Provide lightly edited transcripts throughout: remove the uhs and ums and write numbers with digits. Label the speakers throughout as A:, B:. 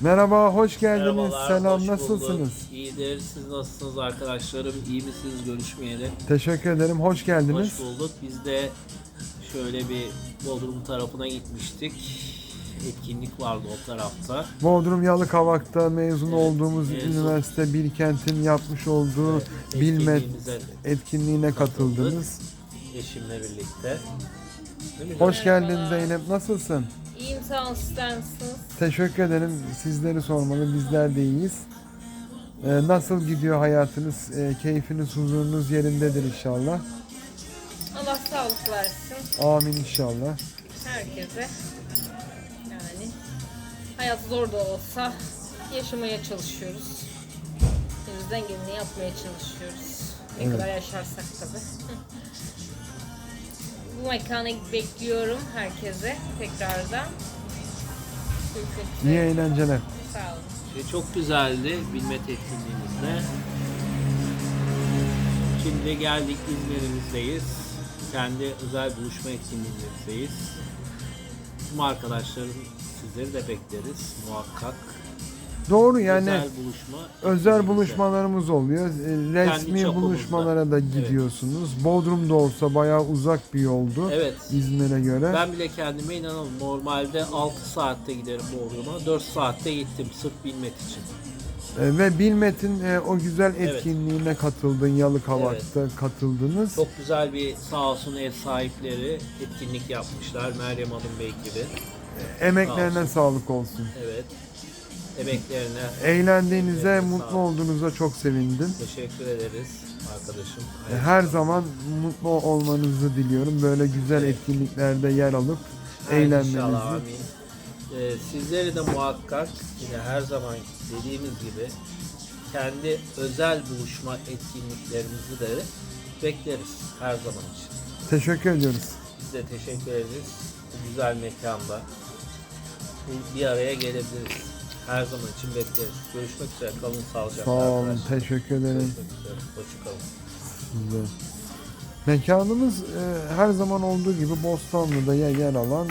A: Merhaba, hoş geldiniz.
B: Merhabalar,
A: Selam,
B: hoş
A: nasılsınız?
B: bulduk. İyidir, siz nasılsınız arkadaşlarım? İyi misiniz görüşmeyeli?
A: Teşekkür ederim, hoş geldiniz.
B: Hoş bulduk. Biz de şöyle bir Bodrum tarafına gitmiştik. Etkinlik vardı o tarafta.
A: Bodrum Yalıkavak'ta mezun
B: Evet,
A: olduğumuz
B: mezun.
A: üniversite Bilkent'in yapmış olduğu Bilmet
B: Etkinliğimize
A: etkinliğine katıldınız.
B: eşimle birlikte. Değil mi?
A: Hoş geldin Zeynep, nasılsın?
C: İyiyim sağ olun, sizler nasılsınız?
A: Teşekkür ederim, sizleri sormalı, bizler de iyiyiz. Nasıl gidiyor hayatınız? Keyfiniz, huzurunuz yerindedir inşallah.
C: Allah sağlık versin
A: Amin inşallah.
C: herkese. Yani hayat zor da olsa yaşamaya çalışıyoruz. Elimizden geleni yapmaya çalışıyoruz. Ne
A: Evet.
C: kadar yaşarsak tabii. Bu mekana bekliyorum herkese tekrardan.
A: İyi eğlenceler.
C: Sağ olun.
B: Çok güzeldi Bilmet etkinliğimizde. Şimdi geldik İzmir'imizdeyiz. Kendi özel buluşma etkinliğimizdeyiz. Tüm arkadaşlarım sizleri de bekleriz muhakkak.
A: Doğru yani
B: Özel buluşma.
A: özel
B: etkinliğimizde.
A: buluşmalarımız oluyor. Resmi
B: çapımızda.
A: buluşmalara da gidiyorsunuz. Bodrum'da olsa bayağı uzak bir yoldu.
B: Evet.
A: İzmir'e göre.
B: Ben bile kendime inanamam. Normalde 6 saatte giderim Bodrum'a. 4 saatte gittim sırf Bilmet için.
A: Ve Bilmet'in o güzel etkinliğine katıldın. Yalıkavak'ta katıldınız.
B: Çok güzel bir sağ olsun ev sahipleri etkinlik yapmışlar. Meryem Hanım Bey gibi.
A: Emeklerine sağlık olsun.
B: Evet. Emeklerine
A: Eğlendiğinize,
B: Evet, sağ
A: mutlu
B: olun.
A: olduğunuza çok sevindim.
B: teşekkür ederiz arkadaşım.
A: Her zaman mutlu olmanızı diliyorum. Böyle güzel
B: Evet.
A: etkinliklerde yer alıp
B: İnşallah,
A: eğlenmenizi.
B: amin. Sizleri de muhakkak yine her zaman dediğimiz gibi kendi özel buluşma etkinliklerimizi de bekleriz her zaman için.
A: Teşekkür ediyoruz.
B: Biz de teşekkür ederiz. Bu güzel mekanda bir araya gelebiliriz. Her zaman için bekleriz. Görüşmek üzere. Kalın sağlıcakla
A: Sağ olun,
B: arkadaşlar.
A: teşekkür ederim.
B: Görüşmek üzere. Hoşçakalın.
A: Güzel. Mekanımız her zaman olduğu gibi Bostanlı'da yer alan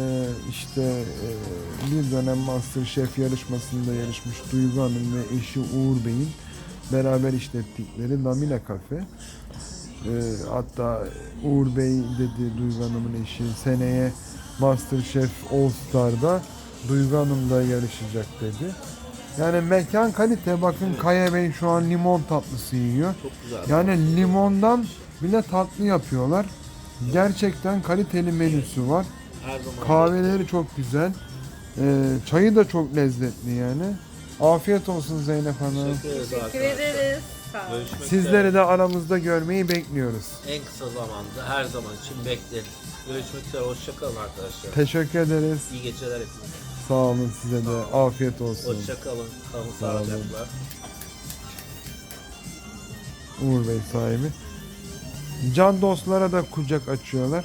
A: bir dönem MasterChef yarışmasında yarışmış Duygu Hanım ve eşi Uğur Bey'in beraber işlettikleri Lamina Cafe. Hatta Uğur Bey dedi, Duygu Hanım'ın eşi, seneye MasterChef All Star'da Duygu Hanım da yarışacak dedi. Yani mekan kalite. Bakın Kaya Bey şu an limon tatlısı yiyor.
B: Çok güzel.
A: Yani limondan bile tatlı yapıyorlar. Gerçekten kaliteli menüsü var.
B: Her zaman
A: Kahveleri çok güzel. Çayı da çok lezzetli yani. Afiyet olsun Zeynep Hanım.
B: teşekkür ederiz
C: Teşekkür
B: arkadaşlar.
C: ederiz. Sağ olun.
B: Görüşmek üzere.
A: Sizleri de aramızda görmeyi bekliyoruz.
B: En kısa zamanda her zaman için bekleriz. Görüşmek üzere. Hoşçakalın arkadaşlar.
A: Teşekkür ederiz.
B: İyi geceler hepinize.
A: Sağ olun, size de afiyet olsun.
B: Hoşçakalın. Kalın
A: Sağ olun.
B: sağlıcakla.
A: Uğur Bey sahibi. Can dostlara da kucak açıyorlar.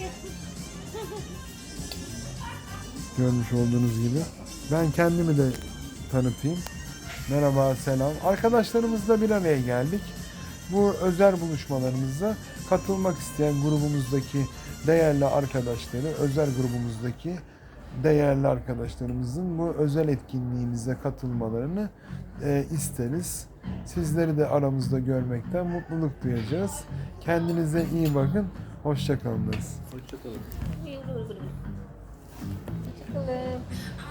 A: Görmüş olduğunuz gibi. Ben kendimi de tanıtayım. Merhaba, selam. Arkadaşlarımızla bir araya geldik. Bu özel buluşmalarımıza katılmak isteyen grubumuzdaki değerli arkadaşları, özel grubumuzdaki değerli arkadaşlarımızın bu özel etkinliğimize katılmalarını isteriz. Sizleri de aramızda görmekten mutluluk duyacağız. Kendinize iyi bakın. Hoşça kalınız.
B: Hoşçakalın.
C: Hoşçakalın.